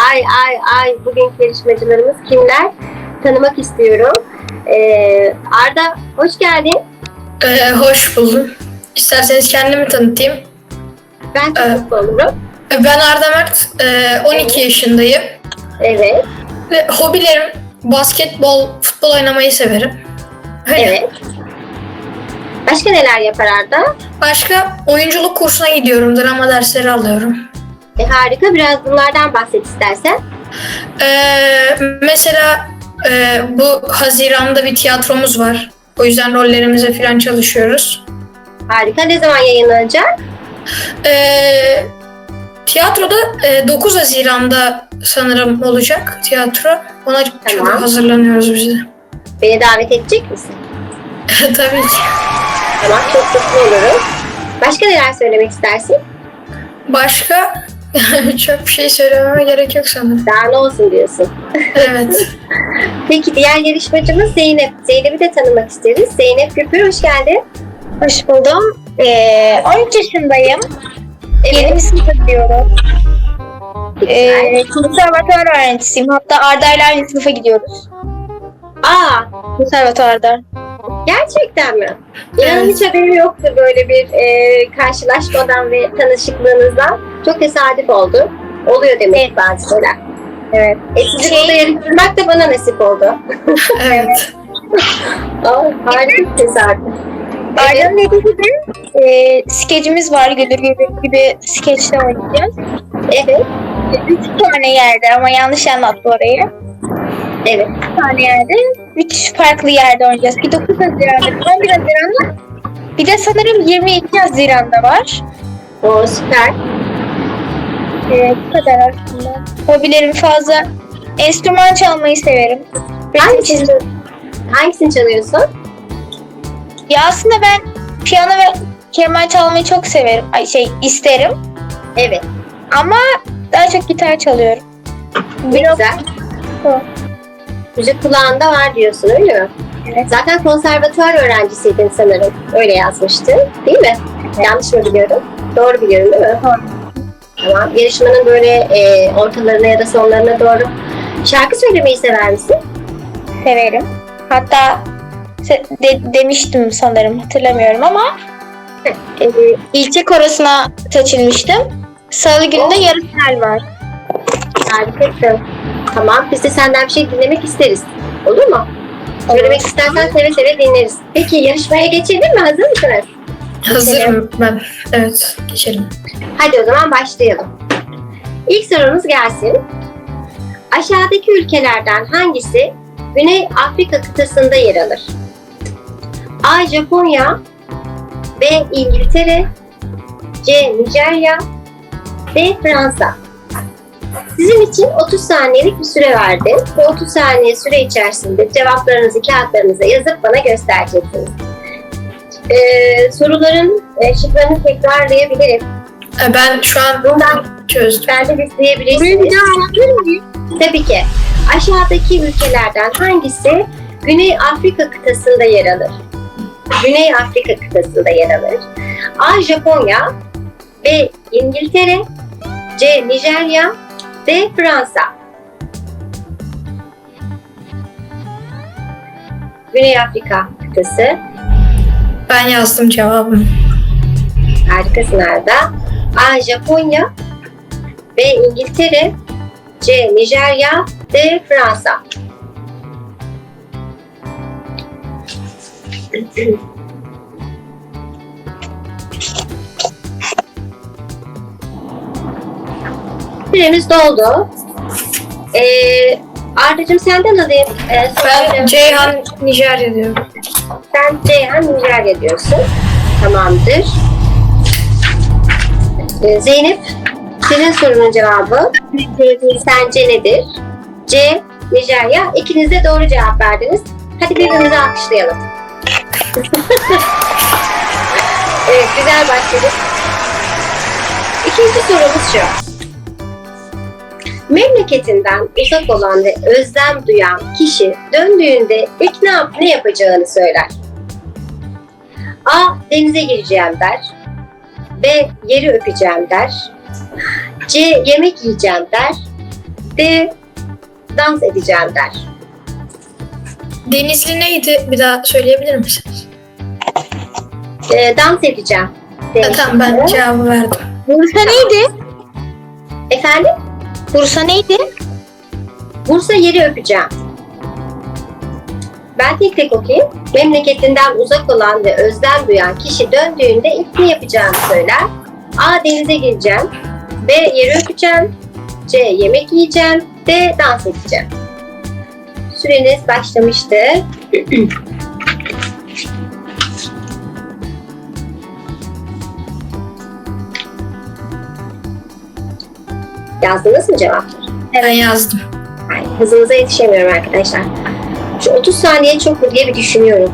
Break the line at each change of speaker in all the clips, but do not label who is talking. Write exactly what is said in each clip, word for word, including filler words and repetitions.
Ay ay ay bugünkü yarışmacılarımız kimler? Tanımak istiyorum. Ee, Arda hoş geldin.
Ee, hoş buldum. İsterseniz kendimi tanıtayım.
Ben çok
Ee,
mutlu olurum.
Ben Arda Mert, ee, on iki yaşındayım.
Evet.
Ve hobilerim basketbol, futbol oynamayı severim. Öyle.
Evet. Başka neler yapar Arda?
Başka oyunculuk kursuna gidiyorum, drama dersleri alıyorum.
E, harika. Biraz bunlardan bahset istersen.
Ee, mesela ee, bu Haziran'da bir tiyatromuz var. O yüzden rollerimize falan çalışıyoruz.
Harika. Ne zaman yayınlanacak?
Ee, tiyatroda ee, dokuz Haziran'da sanırım olacak tiyatro. Ona çok
Tamam.
hazırlanıyoruz biz de.
Beni davet edecek misin?
Tabii ki.
Tamam. Çok mutlu olurum. Başka neler söylemek istersin?
Başka çok bir şey söylememe gerek yok sanırım.
Daha ne olsun diyorsun.
Evet.
Peki diğer yarışmacımız Zeynep. Zeynep'i de tanımak isteriz. Zeynep Güpür hoş geldin.
Hoş buldum. Ee, on üç yaşındayım. Yeni sınıfa gidiyorum. Ee, konservatuvar öğrencisiyim. Hatta Arda ile aynı sınıfa gidiyoruz.
Aa,
Konservatuvarda.
gerçekten mi? İnanın
Evet.
hiç haberim yoktu böyle bir e, karşılaşmadan ve tanışıklığınızdan. Çok tesadüf oldu. Oluyor demek ki bazı şeyler.
Evet.
E, sizi
Şey-
burada yarıştırmak da bana nasip oldu.
Evet.
Aa, harika bir tesadüf.
Arda'nın dediği gibi e, skecimiz var. Güldür Güldür gibi skeçte oynayacağız.
Evet,
Üç tane yerde ama yanlış anlattı orayı.
evet.
Üç tane yerde. Üç farklı yerde oynayacağız. Bir dokuz Haziran'da, on bir Haziran'da. Bir de sanırım yirmi iki Haziran'da var.
O süper.
Ee, bu kadar aslında. Hobilerim fazla. Enstrüman çalmayı severim. Resim
Hangisini,
çizmeyi.
hangisini çalıyorsun?
Ya aslında ben piyano ve keman çalmayı çok severim. Ay şey isterim.
Evet,
Ama daha çok gitar çalıyorum.
ne
Biraz-
güzel.
Hı.
Müzik kulağında var diyorsun öyle mi?
Evet.
Zaten konservatuvar öğrencisiydin sanırım. Öyle yazmıştın değil mi? Yanlış mı biliyorum? Doğru biliyorum değil mi?
Doğru.
Tamam. Yarışmanın böyle e, ortalarına ya da sonlarına doğru şarkı söylemeyi sever misin?
Severim. Hatta se- de- demiştim sanırım hatırlamıyorum ama e, ilçe korosuna seçilmiştim. Salı günü de
Oo.
yarı final var.
Harikasın. Tamam. Biz de senden bir şey dinlemek isteriz. Olur mu? Söylemek istersen seve seve dinleriz. Peki yarışmaya geçelim mi? Hazır mısınız?
Hazırım ben. Evet. Geçelim.
Hadi o zaman başlayalım. İlk sorumuz gelsin. Aşağıdaki ülkelerden hangisi Güney Afrika kıtasında yer alır? A. Japonya B. İngiltere C. Nijerya D. Fransa. Sizin için otuz saniyelik bir süre verdim. Bu otuz saniye süre içerisinde cevaplarınızı kağıtlarınıza yazıp bana göstereceksiniz. Ee, soruların e, şıklarını tekrarlayabilirim.
Ee, Ben şu an
Bundan
çözdüm.
ben de
Burayı bir
isteyebilirsiniz.
daha anlatır mıyım?
Tabii ki. Aşağıdaki ülkelerden hangisi Güney Afrika kıtasında yer alır? Güney Afrika kıtasında yer alır. A. Japonya B. İngiltere C. Nijerya D. Fransa. Güney Afrika kıtası.
Ben yazdım cevabımı.
Harikasın Arda. A. Japonya B. İngiltere C. Nijerya D. Fransa. Süremiz doldu. Ee, Arda'cığım senden alayım. Ee,
Ben
soruyu.
Ceyhan Nijerya diyorum.
Sen Ceyhan Nijerya diyorsun. Tamamdır. Ee, Zeynep, senin sorunun cevabı sence nedir? C. Nijerya. İkiniz de doğru cevap verdiniz. Hadi birbirimizi alkışlayalım. Evet, güzel başladık. İkinci sorumuz şu. Memleketinden uzak olan ve özlem duyan kişi döndüğünde ilk ne, yap ne yapacağını söyler. A. Denize gireceğim der. B. Yeri öpeceğim der. C. Yemek yiyeceğim der. D. Dans edeceğim der.
Denizli neydi? Bir daha söyleyebilir misiniz?
E, dans edeceğim.
Ha,
demiştim.
tamam ben cevabı verdim.
Bursa neydi?
Efendim?
Bursa neydi?
Bursa yeri öpeceğim. Ben tek tek okuyayım. Memleketinden uzak olan ve özlem duyan kişi döndüğünde ilk ne yapacağını söyler. A. Denize gireceğim. B. Yeri öpeceğim. C. Yemek yiyeceğim. D. Dans edeceğim. Süreniz başlamıştı. Yazdınız mı cevapları?
Ben yazdım.
Ay, hızınıza yetişemiyorum arkadaşlar. Şu otuz saniye çok mu diye bir düşünüyorum.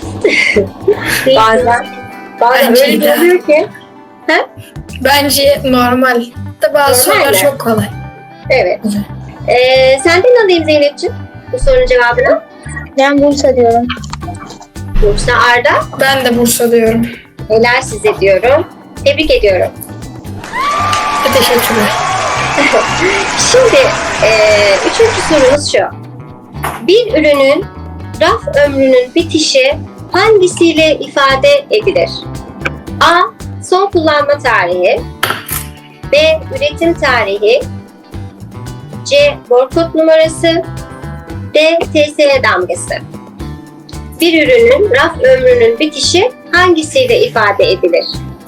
bazen bazen
Bence
öyle bir
de.
oluyor ki. Ha?
Bence normal. Da bazı
Normal
sorular
mi?
çok kolay.
Evet.
Güzel.
Ee, senden alayım Zeynep'ciğim bu sorunun cevabını.
Ben Bursa diyorum.
Bursa Arda.
Ben de Bursa diyorum.
Helal size diyorum. Tebrik ediyorum.
Teşekkürler.
Şimdi e, üçüncü sorumuz şu. Bir ürünün raf ömrünün bitişi hangisiyle ifade edilir? A. Son kullanma tarihi. B. Üretim tarihi. C. Barkod numarası. D. T S E damgası. Bir ürünün raf ömrünün bitişi hangisiyle ifade edilir?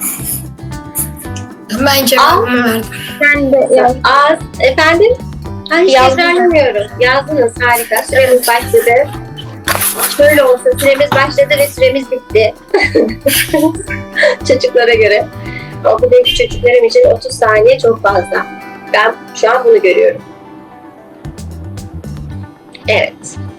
Ben cevabımı verdim.
Ben de yazdım.
A. Efendim? Ha, hiç
Yazdım.
tekrarlamıyoruz. Yazdınız. Harika. Süremiz başladı. Şöyle olsun. Süremiz başladı ve süremiz bitti. Çocuklara göre. Okuldaki çocuklarım için otuz saniye çok fazla. Ben şu an bunu görüyorum. Evet.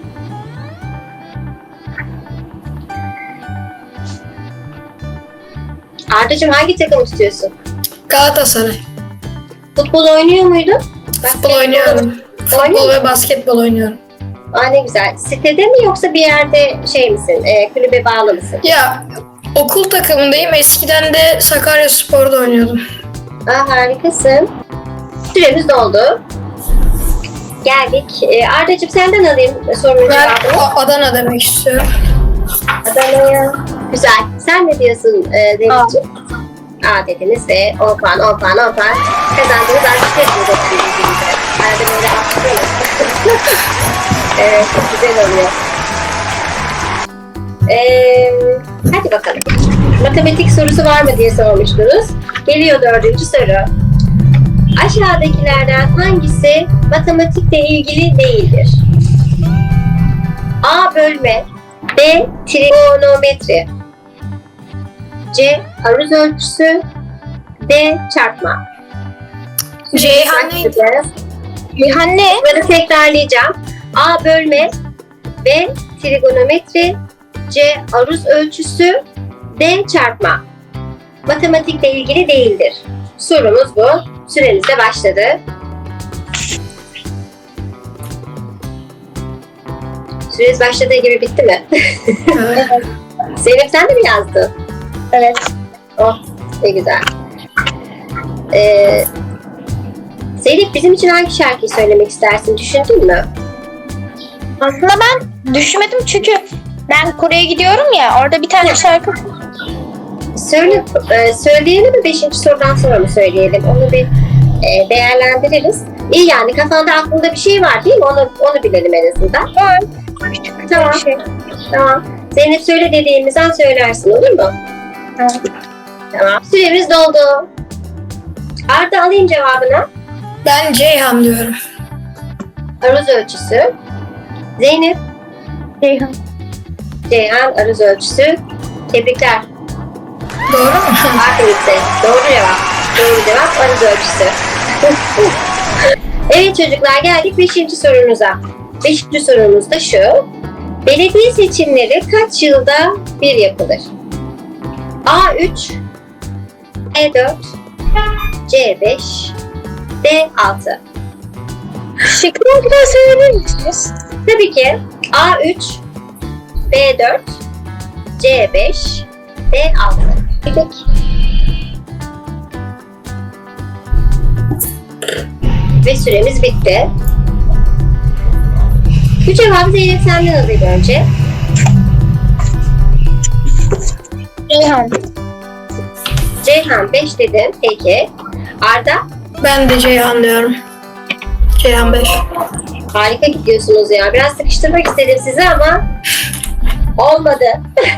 Arda'cığım hangi takımı tutuyorsun?
Galatasaray.
Futbol oynuyor muydun?
Futbol oynuyorum. Futbol ve basketbol oynuyorum.
Aa, ne güzel. Sitede mi yoksa bir yerde şey misin? E, kulübe bağlı mısın?
Ya okul takımındayım. Eskiden de Sakaryaspor'da oynuyordum.
Aa, harikasın. Süremiz doldu. Geldik. E, Arda'cığım senden alayım sorunun
Ben
cevabını.
A- Adana demek istiyorum.
Adana'ya. Güzel. Sen ne diyorsun e, Zeynep'ciğim? A dediniz ve on puan, on puan, on puan. Kazandınız. Artık hepiniz okuyabilirsiniz. Arada böyle alkışlıyoruz. Evet, çok güzel oluyor. Ee, hadi bakalım. Matematik sorusu var mı diye sormuştunuz. Geliyor dördüncü soru. Aşağıdakilerden hangisi matematikle ilgili değildir? A. Bölme. B. Trigonometri. C. Aruz ölçüsü. D. Çarpma.
Ceyhan neydi?
Cihan ne?
Bunları tekrarlayacağım. A. Bölme. B. Trigonometri. C. Aruz ölçüsü. D. Çarpma. Matematikle ilgili değildir. Sorumuz bu. Süreniz de başladı. Süreniz başladığı gibi bitti mi?
Evet.
Zeynep sen de mi yazdın?
Evet.
Oh, ne güzel. Ee, Zeynep bizim için hangi şarkıyı söylemek istersin? Düşündün mü?
Aslında ben düşünmedim çünkü ben Kore'ye gidiyorum ya, orada bir tane şarkı.
Söyle, e, söyleyelim mi? Beşinci sorudan sonra mı söyleyelim? Onu bir e, değerlendiririz. İyi yani kafanda aklında bir şey var değil mi? Onu, onu bilelim en azından.
Var. Küçük
Tamam.
bir şey.
Tamam. Zeynep söyle dediğimizden söylersin olur mu?
Tamam.
Tamam. Süremiz doldu. Arda alayım cevabını.
Ben Ceyhan diyorum.
Aruz ölçüsü. Zeynep.
Ceyhan.
Ceyhan aruz ölçüsü. Tebrikler.
Doğru mu?
Aferin size. Doğru cevap. Doğru cevap aruz ölçüsü. Evet çocuklar geldik beşinci sorunuza. Beşinci sorumuz da şu. Belediye seçimleri kaç yılda bir yapılır? A üç, B dört, C beş, D altı.
Şıkkını bir daha söyleyebilir misiniz?
Tabii ki A üç, B dört, C beş, D altı. Peki. Ve süremiz bitti. Bu cevabı Zeynep senden alayım önce.
Reyhan.
Ceyhan beş dedim. Peki. Arda?
Ben de Ceyhan diyorum. Ceyhan beş.
Harika gidiyorsunuz ya. Biraz sıkıştırmak istedim sizi ama olmadı.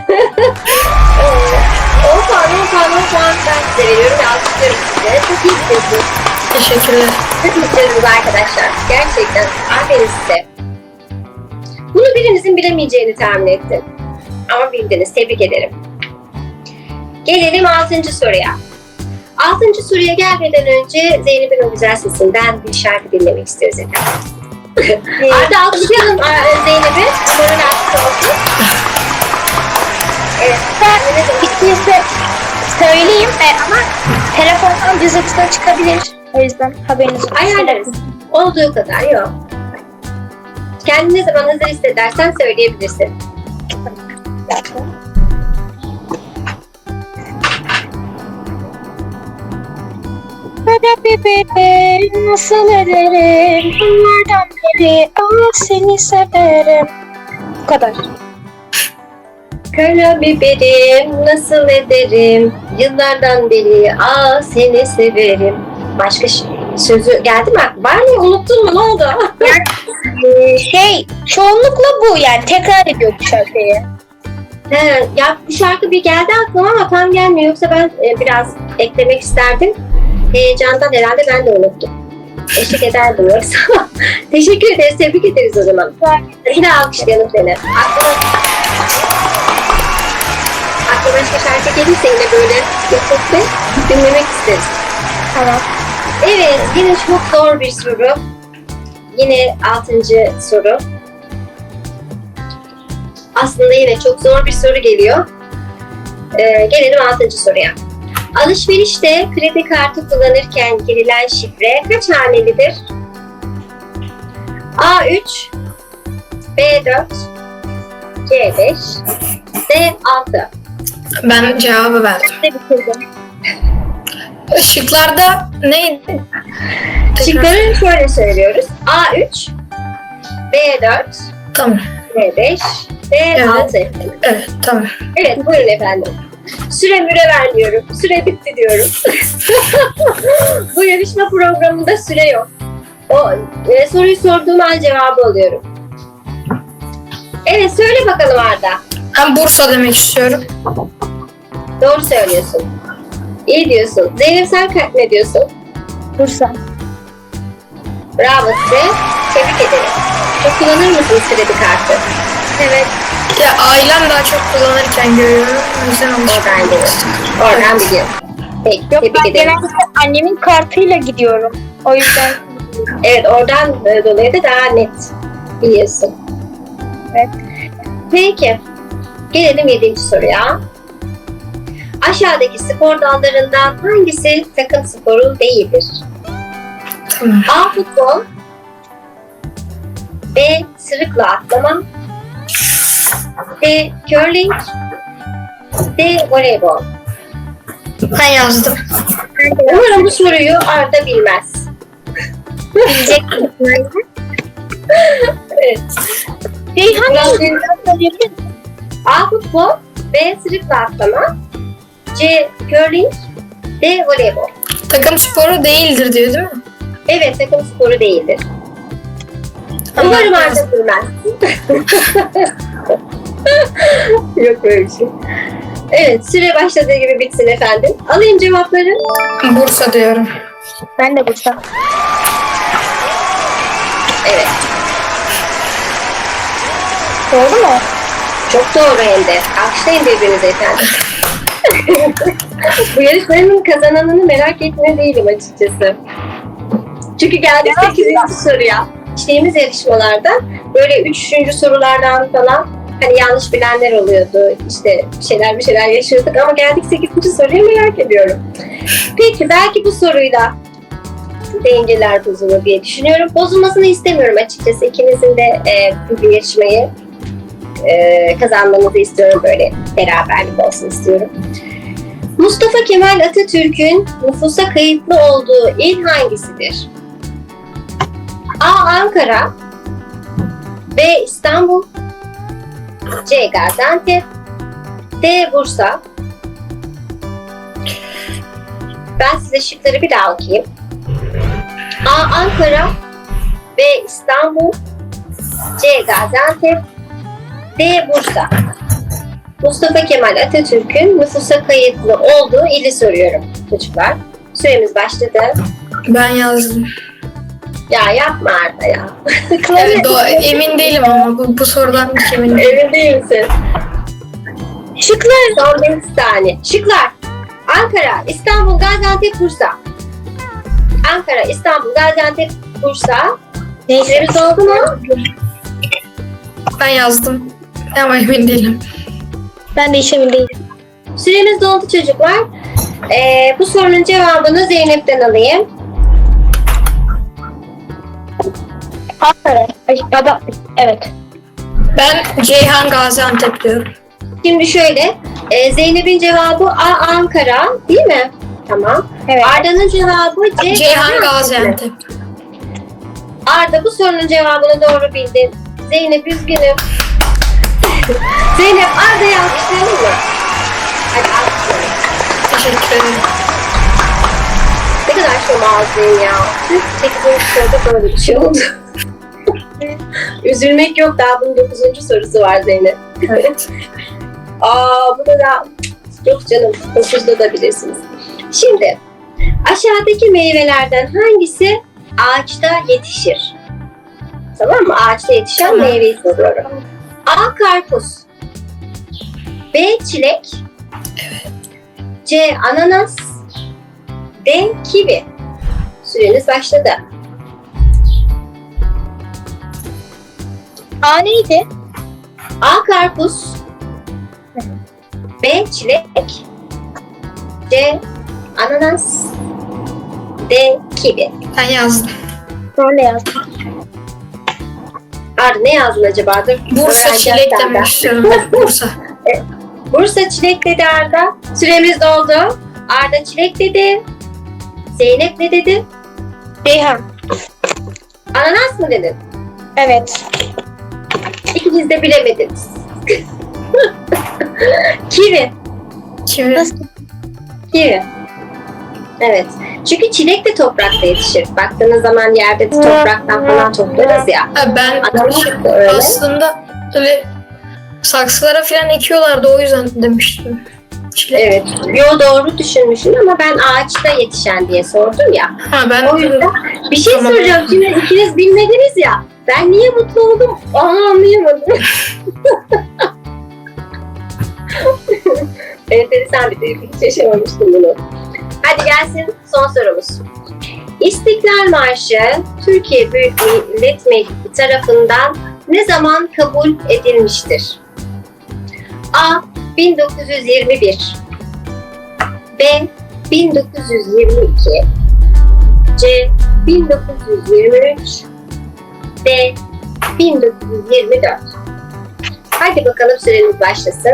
on puan, on puan, on puan ben size veriyorum ve alkışlıyorum size. Çok iyi gidiyorsunuz.
Teşekkürler.
Çok iyi gidiyorsunuz arkadaşlar. Gerçekten. Aferin size. Bunu birinizin bilemeyeceğini tahmin ettim. Ama bildiniz. Tebrik ederim. Gelelim altıncı soruya. Altıncı soruya gelmeden önce Zeynep'in o güzel sesinden bir şarkı dinlemek istiyoruz efendim. Arda alkışlayalım Zeynep'i. Umarım alkış olsun. Evet.
Ben ikincisi söyleyeyim e, ama telefondan cızırtıda çıkabilir. O yüzden haberiniz olsun.
Ayarlarız. Olduğu kadar yok. Kendini ne zaman hazır hissedersen söyleyebilirsin.
Kara bebeğim nasıl ederim? Bunlardan beri ama seni severim. Bu kadar.
Kara biberim nasıl ederim? Yıllardan beri aa seni severim. Başka ş- sözü geldi mi aklına? Var mı? Unuttun mu? Ne oldu?
Ee, şey çoğunlukla bu yani tekrar ediyor bu şarkıyı.
He, ya bu şarkı bir geldi aklıma ama tam gelmiyor. Yoksa ben e, biraz eklemek isterdim. Heyecandan herhalde ben de unuttum. Eşlik ederdim yoksa. Teşekkür ederiz. Tebrik ederiz o zaman. Yine alkışlayalım seni. Aklıma, aklıma başka şarkı gelirse yine böyle yapıp dinlemek isteriz.
Tamam.
Evet, yine çok zor bir soru. Yine altıncı soru. Aslında yine çok zor bir soru geliyor. Ee, gelelim altıncı soruya. Alışverişte kredi kartı kullanırken girilen şifre kaç hanelidir? A üç, B dört, C beş, D altı.
Ben cevabı verdim.
Ne bitirdim?
Işıklarda neydi?
Şıkları şöyle söylüyoruz. A üç, B dört,
Tamam.
C beş, D
Evet.
altı.
Evet, tamam.
Evet, buyurun efendim. Süre müre ver diyorum. Süre bitti diyorum. Bu yarışma programında süre yok. O e, soruyu sorduğum an cevabı alıyorum. Evet, söyle bakalım Arda.
Ben Bursa demek istiyorum.
Doğru söylüyorsun. İyi diyorsun. Zeynep sen ka- ne diyorsun?
Bursa.
Bravo size. Tebrik ederim. Çok kullanır mısınız kredi kartı?
Evet.
Ya ailem daha çok kullanırken görüyorum. O yüzden
Oradan
alışveriş.
biliyorum. Oradan biliyorum. Peki,
Yok
tebrik
ben
ederim.
genelde annemin kartıyla gidiyorum. O yüzden
Evet, oradan e, dolayı da daha net biliyorsun.
evet.
Peki. Gelelim yedinci soruya. Aşağıdaki spor dallarından hangisi takım sporu değildir?
Tamam.
A. Futbol, B. Sırıkla atlama, C. Curling, D. Voleybol.
Ben yazdım.
Umarım bu soruyu Arda bilmez.
Bilecek.
Evet.
Reyhan
Biraz
ne?
bir-
Söyleyebilir misin?
A. Futbol, B. Sırıkla atlama, C. Curling, D. Voleybol.
Takım sporu değildir diyor değil mi?
Evet, takım sporu değildir.
Tamam,
Umarım
yazdım.
Arda bilmez. Yok böyle bir şey. Evet, süre başladığı gibi bitsin efendim. Alayım cevapları.
Bursa diyorum.
Ben de Bursa.
Evet,
Doğru mu?
çok doğru hem de. Alkışlayın birbirinize efendim. Bu yarışmanın kazananını merak etmiyor değilim açıkçası. Çünkü geldik sekizinci soruya. İçtiğimiz yarışmalarda böyle üçüncü sorulardan falan hani yanlış bilenler oluyordu. İşte bir şeyler bir şeyler yaşıyorduk ama geldik sekizinci soruya merak ediyorum. Peki belki bu soruyla dengeler bozulur diye düşünüyorum. Bozulmasını istemiyorum açıkçası. İkinizin de e, bu yarışmayı e, kazanmanızı istiyorum. Böyle beraberlik olsun istiyorum. Mustafa Kemal Atatürk'ün nüfusa kayıtlı olduğu il hangisidir? A. Ankara, B. İstanbul, C. Gaziantep, D. Bursa. Ben size şıkları bir daha okuyayım. A. Ankara, B. İstanbul, C. Gaziantep, D. Bursa. Mustafa Kemal Atatürk'ün nüfusa kayıtlı olduğu ili soruyorum çocuklar. Süremiz başladı.
Ben yazdım.
Ya yapma Arda ya.
Evet, do- emin değilim ama bu, bu sorudan hiç eminim.
Emin değil misin?
Şıklar.
Son beş saniye. Şıklar. Ankara, İstanbul, Gaziantep, Bursa. Ankara, İstanbul, Gaziantep, Bursa. Süremiz oldu mu?
Ben yazdım ama emin değilim.
Ben de hiç emin değilim.
Süremiz doldu çocuklar. Ee, bu sorunun cevabını Zeynep'ten alayım.
Ankara. Ay, ya da, evet.
Ben Ceyhan Gaziantep diyorum.
Şimdi şöyle, e, Zeynep'in cevabı A. Ankara, değil mi? Tamam.
Evet.
Arda'nın cevabı C.
Ceyhan Gaziantep.
Arda bu sorunun cevabını doğru bildin. Zeynep üzgünüm. Zeynep Arda'yı alkışlayalım mı? Hadi alkışlayalım.
Teşekkür ederim.
Ne kadar şomazlıyım ya. sekizinci soruda böyle bir şey oldu. Üzülmek yok, daha bunun dokuzuncu sorusu var Zeynep.
Evet.
Aa bu da da yok canım, dokuzda da bilirsiniz. Şimdi aşağıdaki meyvelerden hangisi ağaçta yetişir? Tamam mı? Ağaçta yetişen
Tamam.
meyveyi soruyorum. A. Karpuz, B. Çilek, C. Ananas, D. Kivi. Süreniz başladı.
A neydi?
A. Karpuz, B. Çilek, C. Ananas, D. Kivi.
Ben yazdım.
Ben de yazdım.
Arda ne yazdın acaba? Dur,
Bursa
öğreneceğiz
çilek
senden.
demek istiyorum. Bursa.
Bursa çilek dedi Arda. Süremiz doldu. Arda çilek dedi. Zeynep ne dedi?
Ceyhan.
Ananas mı dedin?
Evet.
İkiniz de bilemediniz. Kivi.
Kimi?
Nasıl?
Kivi. Evet. Çünkü çilek de toprakta yetişir. Baktığınız zaman yerde de topraktan falan toplarız ya.
Ha, ben
Ananas
şey,
da öyle.
aslında öyle saksılara falan ekiyorlardı, o yüzden demiştim. Çilek.
Evet. Yo doğru düşünmüşsün ama ben ağaçta yetişen diye sordum ya.
Ha, ben
O yüzden bir şey
Tamam.
soracağım. Şimdi ikiniz bilmediniz ya. Ben niye mutlu oldum onu anlayamadım. Enteresan bir duygu. Hiç yaşamamıştım bunu. Hadi gelsin son sorumuz. İstiklal Marşı Türkiye Büyük Millet Meclisi tarafından ne zaman kabul edilmiştir? A. bin dokuz yüz yirmi bir, B. bin dokuz yüz yirmi iki, C. bin dokuz yüz yirmi üç, D. bin dokuz yüz yirmi dört. Hadi bakalım süreniz başlasın.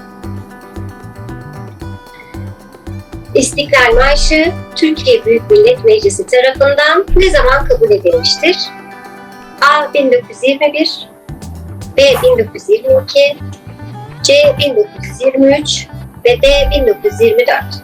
İstiklal Marşı Türkiye Büyük Millet Meclisi tarafından ne zaman kabul edilmiştir? A. bin dokuz yüz yirmi bir, B. bin dokuz yüz yirmi iki, C. bin dokuz yüz yirmi üç ve D. bin dokuz yüz yirmi dört.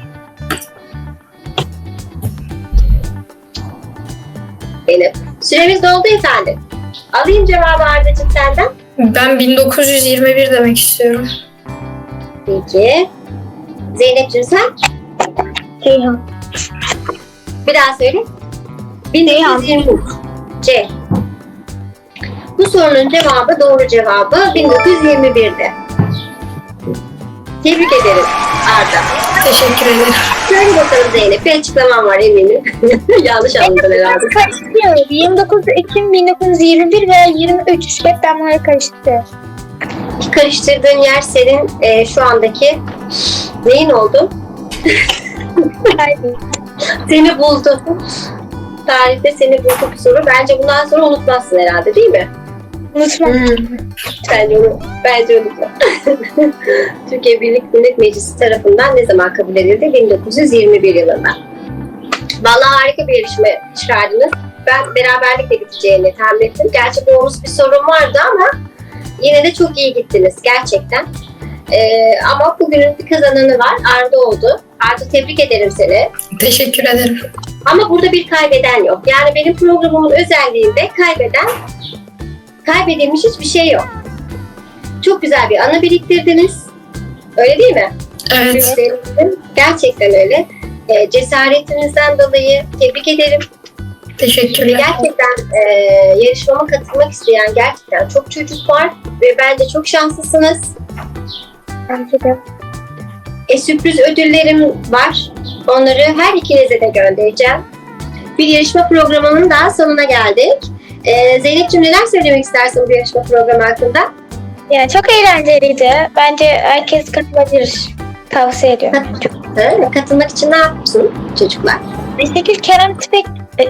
Benim. Süremiz doldu efendim. Alayım cevabı Arda'cığım senden.
ben bin dokuz yüz yirmi bir demek istiyorum.
Peki. Zeynep'ciğim sen?
Ceyhan.
Bir daha söyle. bin dokuz yüz yirmi üç. C. Bu sorunun cevabı, doğru cevabı bin dokuz yüz yirmi bir'di. Tebrik ederim Arda.
Teşekkür ederim.
Söyle bakalım Zeynep, bir açıklamam var eminim. Yanlış anladın herhalde.
Karıştırıyorum. yirmi dokuz Ekim bin dokuz yüz yirmi bir ve yirmi üç. Hep ben bunları karıştırıyorum.
Karıştırdığın yer senin e, şu andaki neyin oldu?
Haydi.
Seni buldu. Tarihte seni buldu bir soru. Bence bundan sonra unutmazsın herhalde, değil mi?
Unutma.
Bence onu, bence unutma. Türkiye Büyük Millet Meclisi tarafından ne zaman kabul edildi? bin dokuz yüz yirmi bir yılında. Vallahi harika bir yarışma çıkardınız. ben beraberlikle biteceğini tahmin ettim. Gerçi bonus bir sorun vardı ama yine de çok iyi gittiniz gerçekten. Ee, ama bugünün bir kazananı var. Arda oldu. Arda, tebrik ederim seni.
Teşekkür ederim.
Ama burada bir kaybeden yok. Yani benim programımın özelliğinde kaybeden, kaybedilmiş hiçbir şey yok. Çok güzel bir anı biriktirdiniz. Öyle değil mi?
Evet.
Gerçekten öyle. E, cesaretinizden dolayı tebrik ederim. Ve
Teşekkürler.
gerçekten e, yarışmama katılmak isteyen gerçekten çok çocuk var ve bence çok şanslısınız.
Bence de.
E, sürpriz ödüllerim var. Onları her ikinize de göndereceğim. Bir yarışma programının daha sonuna geldik. E, Zeynep'ciğim, neler söylemek istersin bu yarışma programı hakkında?
Yani çok eğlenceliydi. Bence herkes katılabilir. Tavsiye ediyorum.
Ha, katılmak için ne yapsın çocuklar?
Ayşegül Kerem Tüfek... E,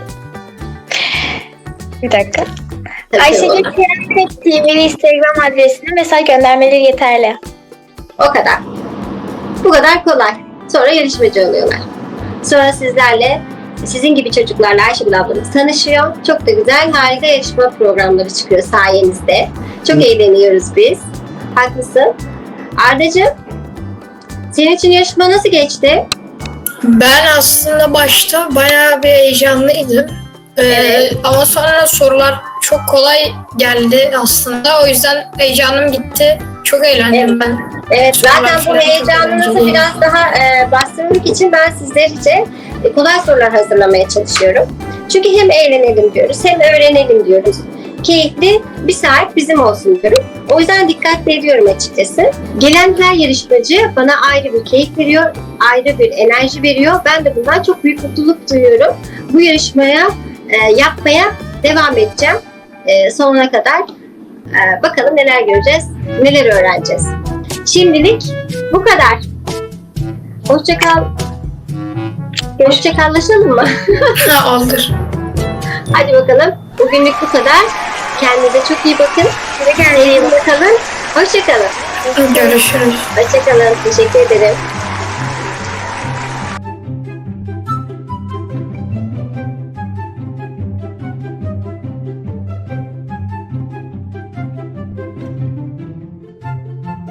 Bir dakika.
Tabii
Ayşegül
olur.
Kerem Tüfek T V Instagram adresine mesaj göndermeleri yeterli.
O kadar. Bu kadar kolay. Sonra yarışmacı oluyorlar. Sonra sizlerle, sizin gibi çocuklarla Ayşegül ablamız tanışıyor. Çok da güzel, harika yarışma programları çıkıyor sayenizde. Çok eğleniyoruz biz. Haklısın. Ardacığım, senin için yarışma nasıl geçti?
Ben aslında başta bayağı bir heyecanlıydım. Ee,
Evet.
Ama sonra sorular çok kolay geldi aslında. O yüzden heyecanım gitti. Çok eğlendim ben.
Evet,
Sorular
zaten bu
falan çok
heyecanınızı
eğlenceli.
biraz daha e, bastırmak için ben sizler için e, kolay sorular hazırlamaya çalışıyorum. Çünkü hem eğlenelim diyoruz, hem öğrenelim diyoruz. Keyifli bir saat bizim olsun diyorum. O yüzden dikkatli ediyorum açıkçası. Gelen her yarışmacı bana ayrı bir keyif veriyor, ayrı bir enerji veriyor. Ben de bundan çok büyük mutluluk duyuyorum. Bu yarışmaya e, yapmaya devam edeceğim e, sonuna kadar. E, bakalım neler göreceğiz, neler öğreneceğiz. Şimdilik bu kadar. Hoşça kal. Hoşça kallaşalım mı?
Ha, olur.
Hadi bakalım. Bugünlük bu kadar. Kendinize çok iyi bakın. Size kendinize iyi bakın. Hoşça kalın.
Görüşürüz.
Hoşça kalın. Teşekkür ederim.